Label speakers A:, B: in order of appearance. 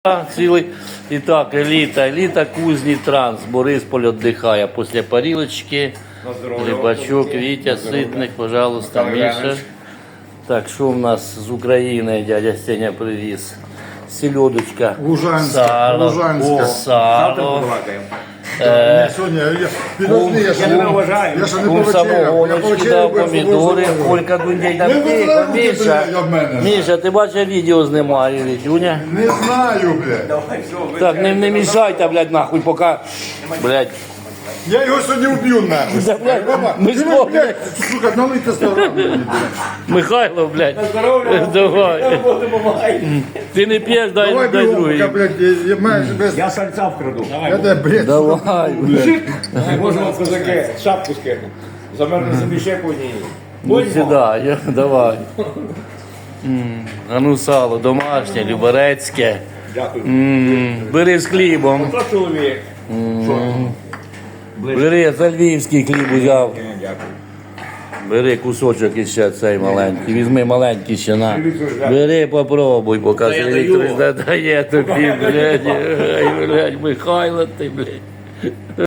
A: Цілий. І так, еліта Кузні Транс. Борисполь віддихає після парілочки. Рибачок, Вітя, Ситник, пожалуйста, Міша. Так, що в нас з України дядя Сеня привіз? Селедочка,
B: Лужанська.
A: сало.
B: Сьогодні, підожди, я ще не
C: вважаю.
B: Я ще не
A: Кум самогоночки
B: повечеряв.
A: дав, помідори, Колька Дундей там тихо. Міша, Міша, ти бачиш, відео знімаю, Вітюня.
B: Не знаю, блядь.
A: Так, не мішайте, блядь, нахуй, поки, блядь.
B: Я його сьогодні вб'ю, нахуй.
A: Да, блядь,
B: Баба,
A: ми
B: ти,
A: зможемо.
B: блядь, сука, налийте 100 грам мені, блядь.
A: Михайло, блядь, давай. Ти не п'єш,
B: Давай
A: дай
B: бігом,
A: другий.
B: поки, блядь, я майже без...
C: Я сальця вкраду.
B: Я тебе, блядь,
A: Давай, блядь.
C: Можемо козаки, шапку скину. Замерзли собі ще по ній.
A: Ну, сідай, давай. А ну сало домашнє, люберецьке.
C: Дякую.
A: Бери з хлібом.
C: Хто чоловік?
A: Бери, за львівський хліб взяв.
C: Дякую.
A: Бери кусочок іще цей маленький. Візьми маленький ще на. Бери, попробуй, покажи. Електрик дає тобі, блядь. Ай, блядь, Михайло ти, блядь.